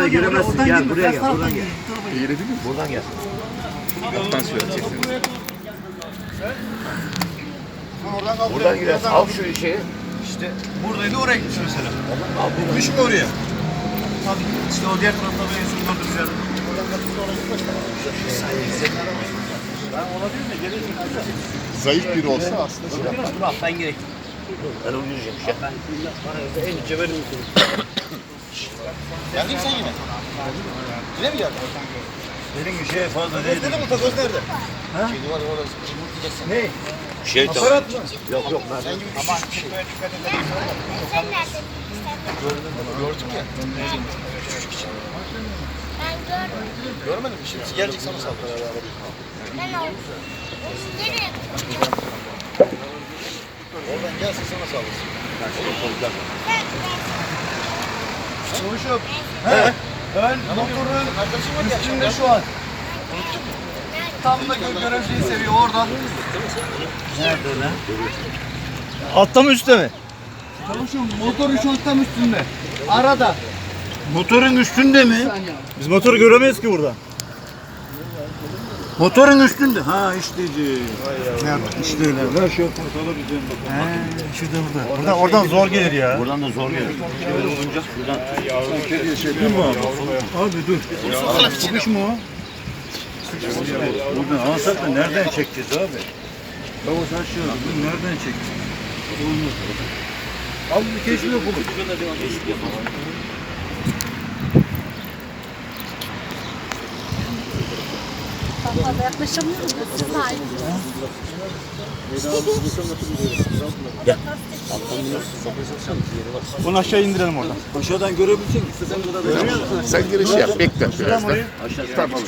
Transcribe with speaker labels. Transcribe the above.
Speaker 1: Orayı göremezsin. Gel buraya gel. Buradan gel.
Speaker 2: İğredin mi?
Speaker 1: Buradan gel.
Speaker 2: Alttan söyleyeceksin.
Speaker 1: Buradan gidersin. Al şu şeyi.
Speaker 3: İşte buradaydı oraya gitmiş mesela. Gitmiş mi oraya? Tabii işte o diğer tarafta bir enstrüman kaldırmış yani.
Speaker 2: Zayıf biri olsa aslında şey yapar.
Speaker 3: Bak ben gerek.
Speaker 1: Ben onu yürüyeceğim işte.
Speaker 3: En cebelim. Geldin sen yine. Yine mi geldin?
Speaker 1: Benim bir şeye fazla değil.
Speaker 3: Nerede bu takoz nerede? Ha? Kedi var orada. Ne?
Speaker 1: Şey tamam.
Speaker 3: Aparat mı?
Speaker 1: Yok yok. Ben
Speaker 3: Sen gibi küçük bir şey.
Speaker 4: Sen nerede?
Speaker 3: Gördük ya.
Speaker 4: Ben görmedim.
Speaker 3: Görmedin mi? Şimdi gelecek sana saldırır.
Speaker 4: Ben oldum. Nereye?
Speaker 3: Oradan gelsin sana saldırsın.
Speaker 4: Ben.
Speaker 3: Konuşup. He? Ben motorun üstünde şu an. Tam da görevliyi seviyor oradan.
Speaker 1: nerede lan?
Speaker 3: Altta mı üstte mi? Çavuşum motor şu an tam üstünde. Arada.
Speaker 1: Motorun üstünde mi?
Speaker 5: Biz motoru göremeyiz ki burada.
Speaker 1: Motorun üstünde. Ha işteci. Nerede? İşte öyle. Ver şu portalı bize.
Speaker 5: Şurada burada. Oradan zor gelir ya.
Speaker 1: Buradan da zor gelir. Şöyle olunca buradan.
Speaker 5: Dur mu abi? Abi dur.
Speaker 1: Sıkış mı o? Buradan alsak da nereden çekeceğiz abi? Baba sen şu bunu nereden çekeceğiz? Olmaz. Al bir keşif yapalım.
Speaker 6: Fazla yaklaşamıyoruz da siz daha iyi.
Speaker 5: Bunu aşağı indirelim oradan.
Speaker 1: Aşağıdan görebilecek misin? İstesen kadar da.
Speaker 2: Sen girişi yap. Bekle birazdan.
Speaker 1: Aşağıdan. Tamam.